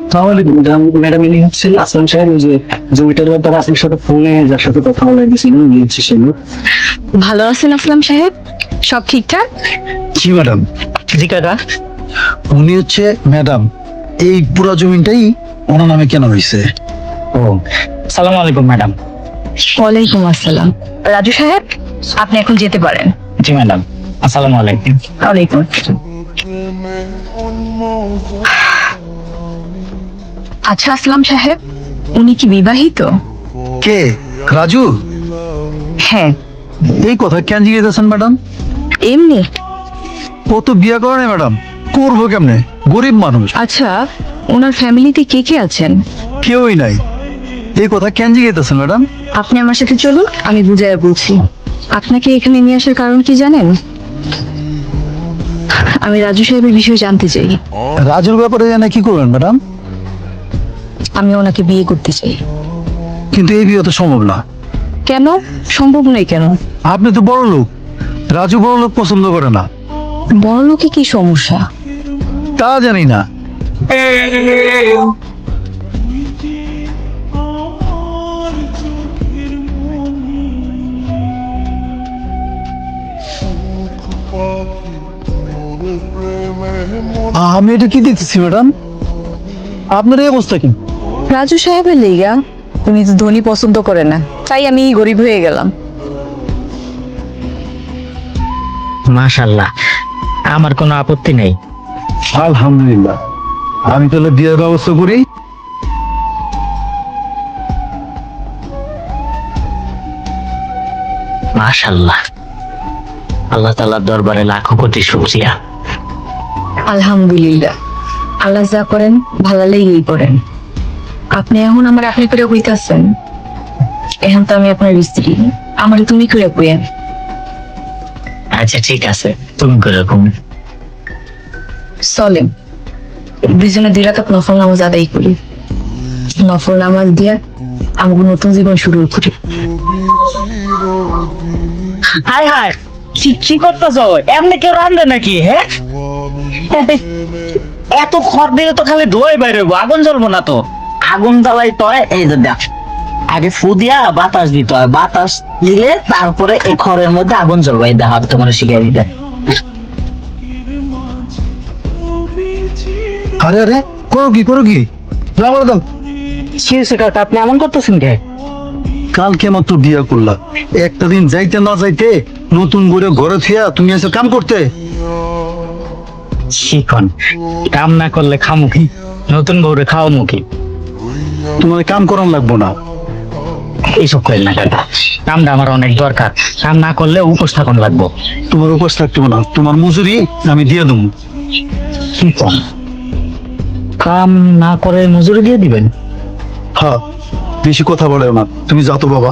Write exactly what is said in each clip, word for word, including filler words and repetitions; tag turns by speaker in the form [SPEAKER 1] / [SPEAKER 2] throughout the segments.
[SPEAKER 1] তাহলে ম্যাডাম ইনি হচ্ছেন আসলাম সাহেব, ওই যে জমিটার ব্যাপারে আপনার সাথে ফোনে যার সাথে কথা বলে গেছিল উনি হচ্ছে সে লোক।
[SPEAKER 2] ভালো আছেন আসলাম সাহেব? সব ঠিকঠাক?
[SPEAKER 3] জি ম্যাডাম।
[SPEAKER 1] জি কাকা।
[SPEAKER 3] উনি হচ্ছে ম্যাডাম, এই পুরো জমিটাই ওনার নামে কেন হয়েছে?
[SPEAKER 1] ও সালাম আলাইকুম ম্যাডাম।
[SPEAKER 2] ওয়ালাইকুম আসসালাম। রাজু সাহেব, আপনি এখন যেতে পারেন।
[SPEAKER 1] জি ম্যাডাম, আসসালামু আলাইকুম।
[SPEAKER 2] ওয়ালাইকুম। আচ্ছা আসলাম সাহেব, উনি কি বিবাহিত?
[SPEAKER 3] কে? রাজু?
[SPEAKER 2] হ্যাঁ।
[SPEAKER 3] এই কথা কেন জিজ্ঞেসেন ম্যাডাম?
[SPEAKER 2] এমনি।
[SPEAKER 3] ও তো বিয়ে করে না ম্যাডাম, করবো কেমনে? গরিব মানুষ,
[SPEAKER 2] আচ্ছা, ওনার ফ্যামিলিতে কে কে আছেন?
[SPEAKER 3] কেউই নাই। এই কথা কেন জিজ্ঞেসেন ম্যাডাম?
[SPEAKER 2] আপনি আমার সাথে চলুন, আমি বুঝাইয়া বলছি। আপনাকে এখানে নিয়ে আসার কারণ কি জানেন? আমি রাজু সাহেবের বিষয়ে জানতে চাই।
[SPEAKER 3] রাজুর ব্যাপারে জানে কি করবেন ম্যাডাম?
[SPEAKER 2] আমি ওনাকে বিয়ে করতে চাই।
[SPEAKER 3] কিন্তু এই বিয়ে তো সম্ভব না।
[SPEAKER 2] কেন সম্ভব নয়? কেন?
[SPEAKER 3] আপনি তো বড় লোক, রাজু বড় লোক পছন্দ করে না।
[SPEAKER 2] বড় লোকে কি সমস্যা?
[SPEAKER 3] তা জানি না। আমি এটা কি দেখতেছি ম্যাডাম? আপনার এই অবস্থা কি?
[SPEAKER 2] রাজু সাহেবের লেগা উনি তো ধনী পছন্দ করে না, তাই আমি গরিব হয়ে গেলাম।
[SPEAKER 1] মাশাআল্লাহ, আমার কোনো আপত্তি নেই।
[SPEAKER 3] আলহামদুলিল্লাহ। আমি তাহলে বিয়ের ব্যবস্থা করি।
[SPEAKER 1] মাশাআল্লাহ, আল্লাহ তাআলার দরবারে লাখো কোটি শুকরিয়া।
[SPEAKER 2] আলহামদুলিল্লাহ, আল্লাহ যা করেন ভালো লেগেই করেন। আপনি এখন আমার আপনি করে কইতাছেন, এখন তো আমি আপনার স্ত্রী, আমার তুমি করে কইেন।
[SPEAKER 1] আচ্ছা ঠিক আছে, তুমি করে ঘুম।
[SPEAKER 2] চলেন দুজনে দুই রাকাত নফল নামাজ আদায় করি। নফল নামাজ দিয়ে আমাকে নতুন জীবন শুরু করি।
[SPEAKER 1] হাই হাই, কি কি করতেছো? এমনি কেউ রান্ধে নাকি? হ্যাঁ, এত খড় দিলে তো খালি ধোয়াই বাইরে, আগুন জ্বলবো না তো। আগুন জ্বালাই তো হয়, এই যে দেখ, আগে ফু দিয়া বাতাস দিতে হয়, বাতাস দিলে তারপরে এই খড়ের মধ্যে আগুন জ্বলবে। এই দেখ, তোমার শিখিয়ে দিতে।
[SPEAKER 3] আরে আরে, করো কি করো কি? রাবার দাও।
[SPEAKER 1] কি হয়েছে কাকা, আপনি এমন করতেছেন কে?
[SPEAKER 3] কালকে মাত্র বিয়ে করলা, একটা দিন যাইতে না যাইতে নতুন করে ঘরে থিয়া তুমি এসে কাম করতে।
[SPEAKER 1] শিখন, কাম না করলে খামুখি, নতুন বউরে খাওয়া মুখী।
[SPEAKER 3] তোমার কাম করান লাগবো না।
[SPEAKER 1] এইসব করেন না কাকা, কামটা আমার অনেক দরকার। কাম না করলে উপোস থাকুন লাগবো।
[SPEAKER 3] তোমার উপাস থাকতে না, তোমার মজুরি আমি দিয়ে দেবো।
[SPEAKER 1] কি কম, কাম না করে মজুরি দিয়ে দিবেন?
[SPEAKER 3] হ্যাঁ, বেশি কথা বলে না। তুমি যাও তো বাবা,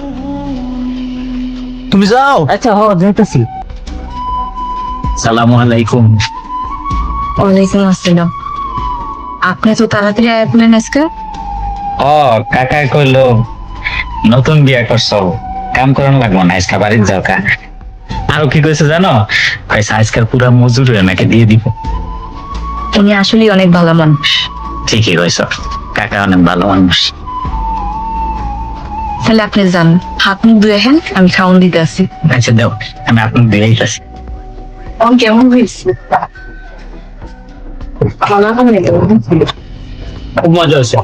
[SPEAKER 3] তুমি যাও।
[SPEAKER 1] আচ্ছা হ, যাইতেছি। সালামু আলাইকুম।
[SPEAKER 2] ওয়ালাইকুম আসসালাম। আপনি তো তাড়াতাড়ি আসলেন আজকে?
[SPEAKER 1] ও কাকা কইলো নতুন বিয়া করছো, কাম করান লাগবো না, আজকে বাড়ির যাও কা। আরো কি কইছে জানো? কইছে আজকাল পুরা মজুরি নাকি দিয়ে দিব।
[SPEAKER 2] উনি আসলে অনেক ভালো মানুষ।
[SPEAKER 1] ঠিকই কইছো, কাকা অনেক ভালো মানুষ।
[SPEAKER 2] তাহলে আপনি যান, হাত মুখ ধুয়ে হেন, আমি খাওয়ান দিতে আসি।
[SPEAKER 1] আচ্ছা দাও, আমি আপনার দিয়ে আইতাছি।
[SPEAKER 2] অন কেমন হয়েছে? খানা খাবেন তো?
[SPEAKER 1] খুব মজা হয়েছে।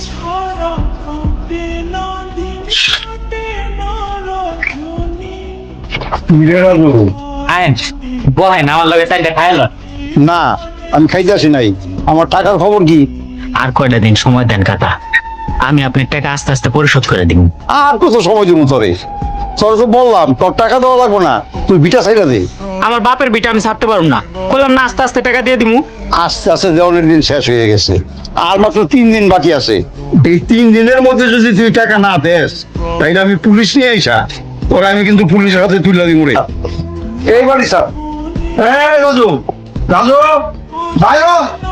[SPEAKER 1] আইন বহেন, আমার লগে চারটা খাইল।
[SPEAKER 3] না, আমি খাইতে আসি নাই। আমার টাকার খবর কি?
[SPEAKER 1] আর কয়টা দিন সময় দেন কাকা, আমি আপনার টাকা আস্তে আস্তে পরিশোধ করে দিব।
[SPEAKER 3] আর কত সময় দিব তোরে? তোর তো বললাম তোর টাকা দেওয়া লাগবো না, তুই বিটা সাইডা দে।
[SPEAKER 1] আমার বাপের বিটা আমি ছাড়তে পারবো না, বললাম না আস্তে আস্তে টাকা দিয়ে দিমু।
[SPEAKER 3] আস্তে আস্তে দেওয়ানের দিন শেষ হয়ে গেছে, আর মাত্র তিন দিন বাকি আছে। এই তিন দিনের মধ্যে যদি তুই টাকা না দেস, তাইলে আমি পুলিশ নিয়ে আইসা তোরা আমি কিন্তু পুলিশের হাতে তুলে দিব রে। এই বাড়ি স্যার, এই রাজু, রাজু ভাইও,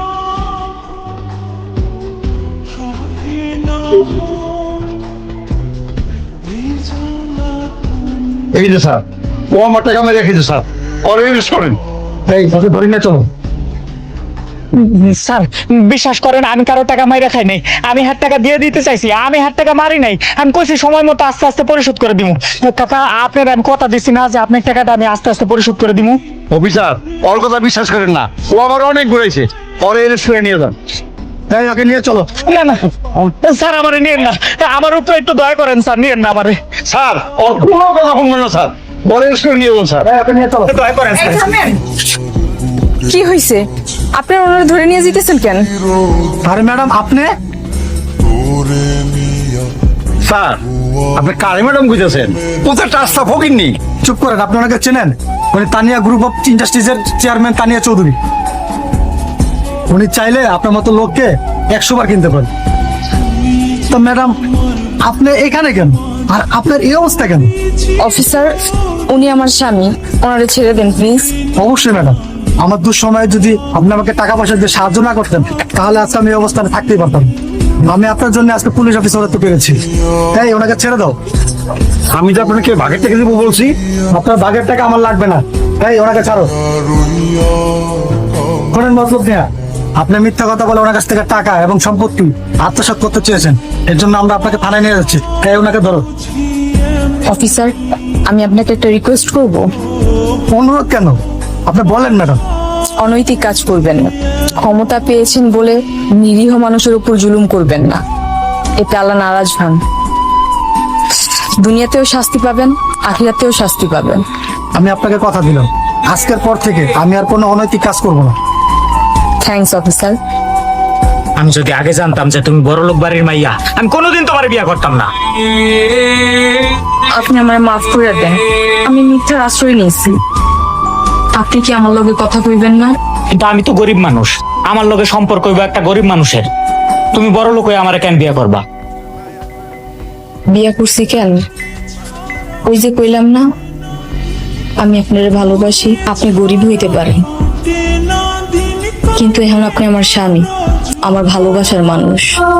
[SPEAKER 3] এই যে স্যার, ও আমার টাকা মেরে রেখেছে স্যার, অরেঞ্জ করেন। এই ধরি না, চলো।
[SPEAKER 4] স্যার বিশ্বাস করেন আমি কারো টাকা মাইরা খাই নাই, আমি হাত টাকা দিয়ে দিতে চাইছি, আমি হাত টাকা মারি নাই, আমি কইছি সময় মতো আস্তে আস্তে পরিশোধ করে দিমু। কাকা আপনার আমি কথা দিচ্ছি না যে আপনার টাকাটা আমি আস্তে আস্তে পরিশোধ করে দিমু।
[SPEAKER 3] অফিসার ওর কথা বিশ্বাস করেন না, ও আমার অনেক ঘুরাইছে, পরে এনে শুয়ে নিয়ে যান। তাই ওকে নিয়ে চলো।
[SPEAKER 4] না না স্যার আমারে নিয়েন না, আমার উপরে একটু দয়া করেন স্যার, নিয়েন না আমারে।
[SPEAKER 3] স্যার ওর কোনো কথা শুনবেন না স্যার, পরে এনে শুয়ে নিয়ে যান স্যার। ওকে নিয়ে চলো।
[SPEAKER 4] দয়া করেন স্যার।
[SPEAKER 2] কি হয়েছে? আপনারা ওনারা ধরে নিয়ে যেতেছেন কেন?
[SPEAKER 5] আরে ম্যাডাম আপনি
[SPEAKER 3] স্যার আপনি কারে ম্যাডাম বুঝেছেন? কোথায় রাস্তা ফকিননি।
[SPEAKER 5] চুপ করেন, আপনি ওনাকে চেনেন? উনি তানিয়া গ্রুপ অফ ইন্ডাস্ট্রিজের চেয়ারম্যান তানিয়া চৌধুরী। উনি চাইলে আপনার মতো লোককে একশো বার কিনতে পারেন। তো ম্যাডাম আপনি এখানে কেন, আর আপনার এই অবস্থা কেন?
[SPEAKER 2] অফিসার, উনি আমার স্বামী, ওনারে ছেড়ে দেন প্লিজ।
[SPEAKER 5] অবশ্যই ম্যাডাম, আমার দুঃসময়ে যদি আপনি আমাকে টাকা পয়সা দিয়ে সাহায্য না করতেন তাহলে আজকে আমি এই অবস্থানে থাকতেই পারতাম না। আমি আপনার জন্য আজকে পুলিশ অফিসার হতে পেরেছি, তাই ওনাকে ছেড়ে দাও।
[SPEAKER 3] আমি তো আপনাকে ভাগের থেকে দেবো বলছি।
[SPEAKER 5] আপনার বাগের টাকা আমার লাগবে না, তাই ওনাকে ছাড়ো। শোনেন মতলব নেয়া, আপনি মিথ্যা কথা বলে ওনার কাছ থেকে টাকা এবং সম্পত্তি আত্মসাৎ করতে চেয়েছেন, এর জন্য আমরা আপনাকে থানায় নিয়ে যাচ্ছি, তাই ওনাকে ধরো।
[SPEAKER 2] অফিসার, আমি আপনাকে একটা রিকোয়েস্ট করব,
[SPEAKER 5] অনুরোধ কেন, আপনি বলেন ম্যাডাম।
[SPEAKER 2] অনৈতিক কাজ করবেন না। ক্ষমতা পেয়েছেন বলে নিরীহ মানুষের উপর জুলুম করবেন না, এতে আল্লাহ নারাজ হন। দুনিয়াতেও শাস্তি পাবেন, আখিরাতেও শাস্তি পাবেন।
[SPEAKER 5] আমি আপনাকে কথা দিলাম, আজকের পর থেকে আমি আর কোনো অনৈতিক কাজ করব না।
[SPEAKER 2] Thanks officer.
[SPEAKER 4] আমি যদি আগে জানতাম যে তুমি বড় লোক বাড়ির মাইয়া, আমি কোনোদিন তোমার বিয়ে করতাম না।
[SPEAKER 2] আপনি আমার মাফ করে দেন, আমি মিথ্যার আশ্রয় নিয়েছি। আপনি কি আমার লগে কথা কইবেন না?
[SPEAKER 4] কিন্তু আমি তো গরিব মানুষ, আমার লগে সম্পর্ক হইব একটা গরিব মানুষের। তুমি বড় লোক হয়ে আমার কেন বিয়ে করবা?
[SPEAKER 2] বিয়া করছি কেন? ওই যে কইলাম না, আমি আপনার ভালোবাসি। আপনি গরিব হইতে পারেন, কিন্তু এখন আপনি আমার স্বামী, আমার ভালোবাসার মানুষ।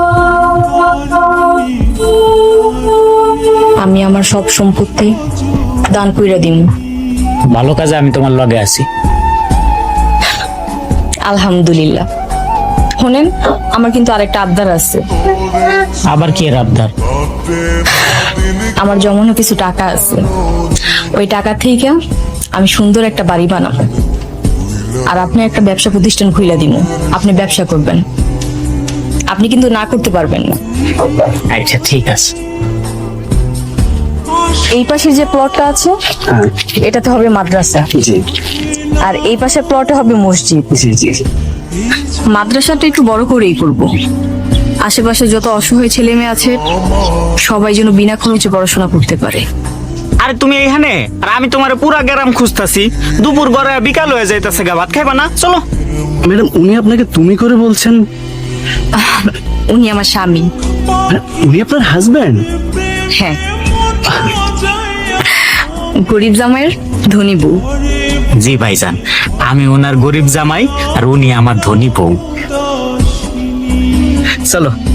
[SPEAKER 2] আমি আমার সব সম্পত্তি দান কইরা দিম।
[SPEAKER 4] ভালো কাজে আমি তোমার লগে আছি।
[SPEAKER 2] আলহামদুলিল্লাহ। শোনেন, আমার কিন্তু আরেকটা আবদার আছে।
[SPEAKER 4] আবার কি এর আবদার?
[SPEAKER 2] আমার জমানো কিছু টাকা আছে, ওই টাকা থেকে আমি সুন্দর একটা বাড়ি বানাবো, আর আপনি একটা ব্যবসা প্রতিষ্ঠান খুলে দিব। আপনি ব্যবসা করবেন, আপনি কিন্তু না করতে পারবেন না।
[SPEAKER 4] আচ্ছা ঠিক আছে।
[SPEAKER 2] এই পাশের যে প্লটটা আছে এটাতে হবে মাদ্রাসা, আর এই পাশের প্লটে হবে মসজিদ। মাদ্রাসাটা একটু বড় করেই করব, আশেপাশে যত অসহায় ছেলে মেয়ে আছে সবাই যেন বিনা খরচে পড়াশোনা করতে পারে।
[SPEAKER 4] আরে তুমি এইখানে, আর আমি তোমার পুরা গ্রাম খুঁজতাছি। দুপুর গড়ে বিকাল হয়ে যাইতাছে, গা ভাত খাইবা না? চলো।
[SPEAKER 6] ম্যাডাম উনি আপনাকে তুমি করে বলছেন?
[SPEAKER 2] উনি আমার স্বামী।
[SPEAKER 6] উনি আপনার হাজবেন্ড?
[SPEAKER 2] হ্যাঁ, গরিব জামাইয়ের ধনী বউ।
[SPEAKER 4] জি ভাইজান, আমি ওনার গরিব জামাই আর উনি আমার ধনী বউ। চলো।